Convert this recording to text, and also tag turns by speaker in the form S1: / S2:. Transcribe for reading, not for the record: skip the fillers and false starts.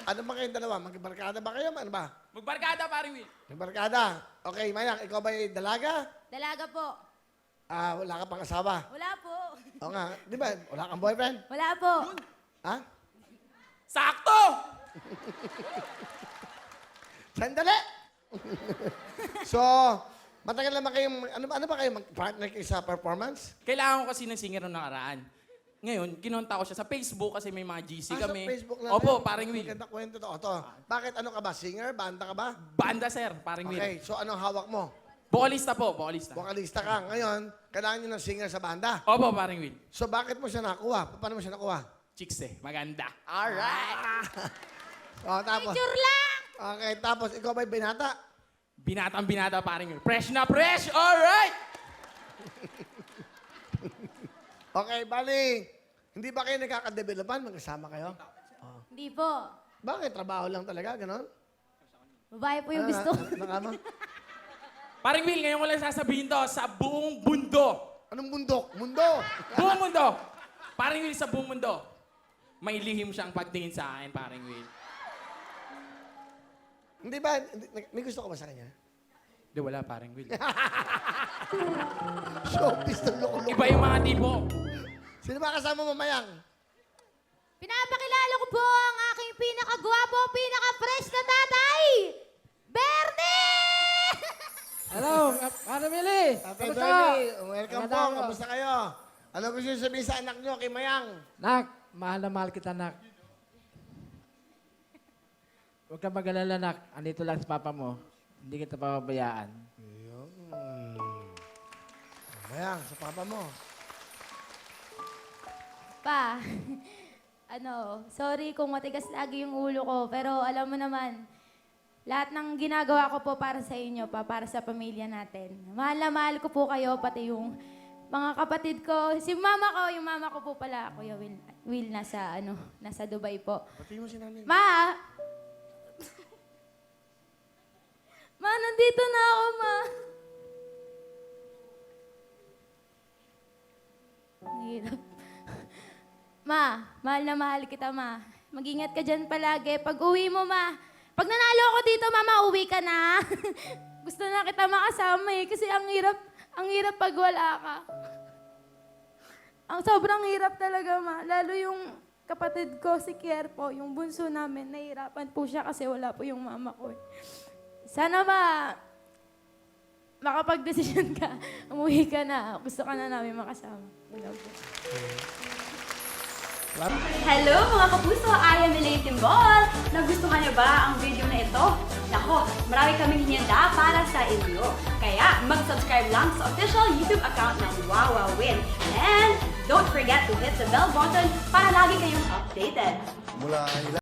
S1: Ano ba kayong dalawa? Magbarkada ba kayo? Ano ba?
S2: Magbarkada, paring Will.
S1: Magbarkada. Okay, Mayang, ikaw ba yung dalaga?
S3: Dalaga po.
S1: Wala ka pang asawa?
S3: Wala po.
S1: Oo nga. Di ba? Wala kang boyfriend?
S3: Wala po.
S1: Ha?
S2: Sakto!
S1: Sandali! So, matagal naman kayong, ano ba kayo, mag-partner kayo sa performance?
S2: Kailangan ko kasi ng singer nung nakaraan. Ngayon, kinonta ko siya sa Facebook kasi may mga GC kami.
S1: Sa Facebook lang.
S2: Opo, paring Will.
S1: Maganda kwento to. Ito. Bakit ano ka ba? Singer? Banda ka ba?
S2: Banda, sir, paring Will.
S1: Okay, so anong hawak mo?
S2: Vocalista po, vocalista.
S1: Vokalista ka. Ngayon, kailangan nyo ng singer sa banda.
S2: Opo, paring Will.
S1: So bakit mo siya nakuha? Paano mo siya nakuha?
S2: Chicks eh, maganda.
S1: Alright! O, tapos.
S3: Picture lang!
S1: Okay, tapos ikaw ba'y binata?
S2: Binatang binata, paring Will. Fresh na fresh! Alright!
S1: Okay, bali. Hindi ba kayo nagkakadevelopan? Magkasama kayo?
S3: Hindi po.
S1: Bakit? Trabaho lang talaga, ganon?
S3: Babae po yung gusto.
S1: Nakama?
S2: Paring Will, ngayon ko lang sasabihin to sa buong mundo.
S1: Anong bundok? Mundo!
S2: Buong mundo! Paring Will, sa buong mundo. May lihim siyang pagtingin sa akin, paring Will.
S1: Hindi ba? May gusto ka ba sa kanya?
S2: Di, wala, paring Will.
S1: Showbiz ng loko-loko.
S2: Iba yung mga tipo.
S1: Sino ba kasama mo, Mayang?
S3: Pinapakilala ko po ang aking pinakagwapo, pinaka-fresh na tatay! Bernie!
S4: Hello, Ano Mili?
S1: Tatay
S4: Kamusta?
S1: Bernie, welcome po.
S4: Magandang araw.
S1: Kamusta kayo? Ano gusto nyo sabihin sa anak nyo kay Mayang?
S4: Nak, mahal na mahal kita, Nak. Huwag kang mag-alala, Nak. Andito lang si Papa mo. Hindi kita papabayaan.
S1: Mayang, sa papa mo.
S3: Pa, sorry kung matigas lagi yung ulo ko, pero alam mo naman, lahat ng ginagawa ko po para sa inyo pa, para sa pamilya natin. Mahal na mahal ko po kayo, pati yung mga kapatid ko. Si mama ko, yung mama ko po pala, Kuya Will nasa Dubai po.
S1: Pati mo si nanay.
S3: Ma! Ma, nandito na ako, ma. Ang hirap. Ma, mahal na mahal kita, ma. Mag-ingat ka dyan palagi. Pag uwi mo, ma. Pag nanalo ako dito, mama, uwi ka na. Gusto na kita makasama eh. Kasi ang hirap pag wala ka. Ang sobrang hirap talaga, ma. Lalo yung kapatid ko, si Kier po, yung bunso namin, nahihirapan po siya kasi wala po yung mama ko eh. Sana ba, makapag-desisyon ka, umuwi ka na. Gusto ka na namin makasama. Wala po.
S5: Hello mga kapuso! I am Elaine Timbol! Nagustuhan niyo ba ang video na ito? Nako, marami kaming hinihanda para sa inyo. Kaya mag-subscribe lang sa official YouTube account ng Wawa Win. And don't forget to hit the bell button para lagi kayong updated.
S1: Mula